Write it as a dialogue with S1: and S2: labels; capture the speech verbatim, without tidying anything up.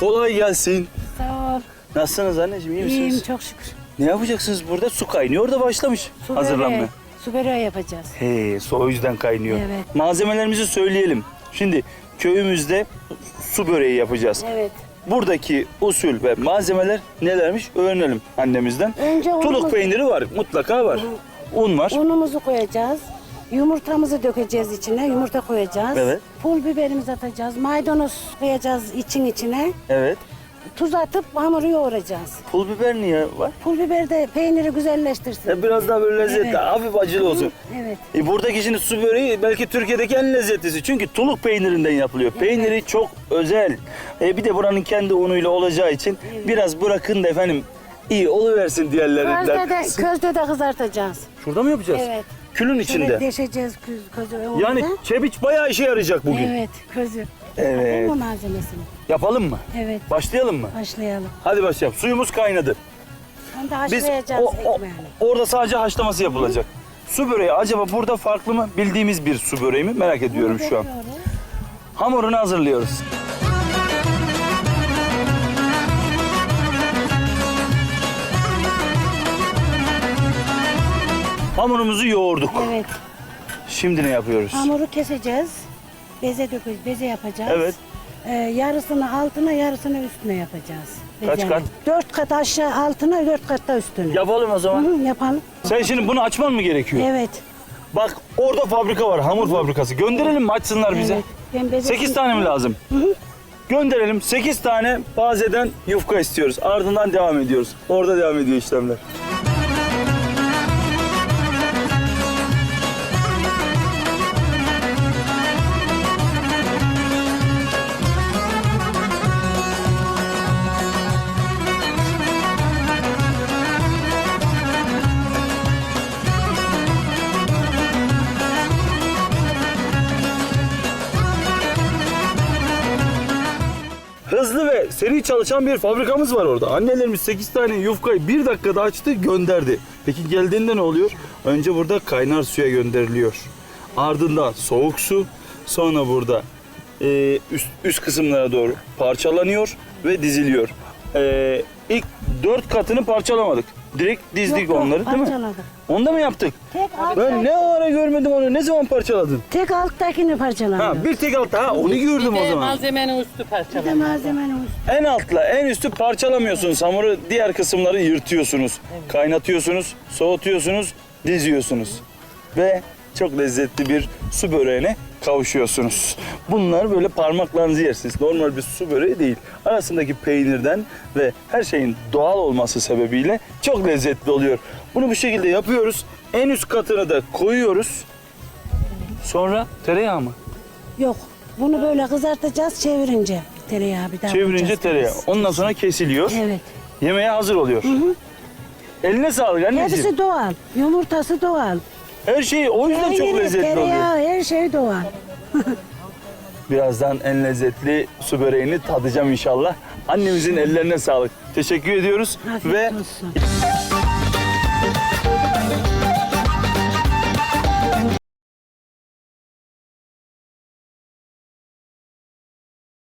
S1: Kolay gelsin.
S2: Sağ ol.
S1: Nasılsınız anneciğim, iyi misiniz?
S2: İyiyim çok şükür.
S1: Ne yapacaksınız burada? Su kaynıyor da başlamış
S2: Su
S1: hazırlanmaya.
S2: böreği, su böreği yapacağız.
S1: He, su o yüzden kaynıyor.
S2: Evet.
S1: Malzemelerimizi söyleyelim. Şimdi köyümüzde su böreği yapacağız.
S2: Evet.
S1: Buradaki usul ve malzemeler nelermiş öğrenelim annemizden.
S2: Önce
S1: Tuluk
S2: unumuzu-
S1: peyniri var, mutlaka var. Un var.
S2: Unumuzu koyacağız. Yumurtamızı dökeceğiz içine. Yumurta koyacağız.
S1: Evet.
S2: Pul biberimizi atacağız. Maydanoz koyacağız için içine.
S1: Evet.
S2: Tuz atıp hamuru yoğuracağız.
S1: Pul biber niye var?
S2: Pul biber de peyniri güzelleştirsin.
S1: Ya biraz daha böyle lezzetli,
S2: Evet.
S1: hafif acılı olsun.
S2: Evet.
S1: E buradaki şimdi su böreği belki Türkiye'deki en lezzetlisi. Çünkü tuluk peynirinden yapılıyor. Peyniri çok özel. E bir de buranın kendi unuyla olacağı için biraz bırakın da efendim iyi oluversin diğerlerinden.
S2: Közde de, közde de kızartacağız.
S1: Şurada mı yapacağız?
S2: Evet.
S1: Külün
S2: Şöyle
S1: içinde.
S2: deşeceğiz köz, közü.
S1: Yani
S2: orada.
S1: çebiç bayağı işe yarayacak bugün.
S2: Evet, közü.
S1: Evet.
S2: Yapalım mı malzemesini?
S1: Yapalım mı?
S2: Evet.
S1: Başlayalım mı?
S2: Başlayalım.
S1: Hadi başlayalım. Suyumuz kaynadı.
S2: Onu da
S1: Biz
S2: haşlayacağız
S1: o, o-
S2: ekmeğini.
S1: orada sadece haşlaması yapılacak. Su böreği acaba burada farklı mı? Bildiğimiz bir su böreği mi? Merak ediyorum şu an.
S2: Döküyoruz.
S1: Hamurunu hazırlıyoruz. Hamurumuzu yoğurduk.
S2: Evet.
S1: Şimdi ne yapıyoruz?
S2: Hamuru keseceğiz. Beze dökeceğiz. Beze yapacağız.
S1: Evet.
S2: Ee, yarısını altına, yarısını üstüne yapacağız.
S1: Kaç
S2: Bezenin.
S1: kat?
S2: Dört kat aşağı altına, dört kat da üstüne.
S1: Yapalım o
S2: Hı
S1: zaman.
S2: hı, yapalım.
S1: Sen şimdi bunu açman mı gerekiyor?
S2: Evet.
S1: Bak orada fabrika var, hamur fabrikası. Gönderelim mi açsınlar bize?
S2: Evet. Ben beze-
S1: sekiz tane mi lazım? Gönderelim. sekiz tane bazeden yufka istiyoruz. Ardından devam ediyoruz. Orada devam ediyor işlemler. Hızlı ve seri çalışan bir fabrikamız var orada. Annelerimiz sekiz tane yufkayı bir dakikada açtı, gönderdi. Peki geldiğinde ne oluyor? Önce burada kaynar suya gönderiliyor. Ardından soğuk su, sonra burada e, üst, üst kısımlara doğru parçalanıyor ve diziliyor. E, ilk dört katını parçalamadık. Direkt dizdik
S2: Yok, yok,
S1: onları değil mi?
S2: parçaladık.
S1: Onda mı yaptık?
S2: Tek,
S1: Ben ne ara görmedim onu. Ne zaman parçaladın?
S2: tek alttakini parçaladım.
S1: Ha, bir tek altta. Ha, onu gördüm
S3: Bir
S1: o
S3: de
S1: zaman.
S3: malzemenin üstü
S2: Bir de
S3: parçalanıyor.
S2: malzemenin üstü.
S1: En altla en üstü parçalamıyorsunuz. Hamuru diğer kısımları yırtıyorsunuz. Kaynatıyorsunuz, soğutuyorsunuz, diziyorsunuz. Ve çok lezzetli bir su böreğine kavuşuyorsunuz. Bunlar böyle parmaklarınızı yersiniz. Normal bir su böreği değil. Arasındaki peynirden ve her şeyin doğal olması sebebiyle çok lezzetli oluyor. Bunu bu şekilde yapıyoruz. En üst katını da koyuyoruz. Sonra tereyağı mı?
S2: Yok. Bunu böyle kızartacağız çevirince. Tereyağı bir daha
S1: Çevirince
S2: koyacağız
S1: tereyağı.
S2: biraz.
S1: Ondan sonra kesiliyor.
S2: Evet.
S1: Yemeğe hazır oluyor. Eline sağlık anneciğim.
S2: Hepsi doğal. Yumurtası doğal.
S1: Her şey o yüzden çok
S2: Peyniri,
S1: lezzetli oluyor.
S2: tereyağı, her şey doğal.
S1: Birazdan en lezzetli su böreğini tadacağım inşallah. Annemizin ellerine sağlık. Teşekkür ediyoruz
S2: Afiyet
S1: ve
S2: olsun.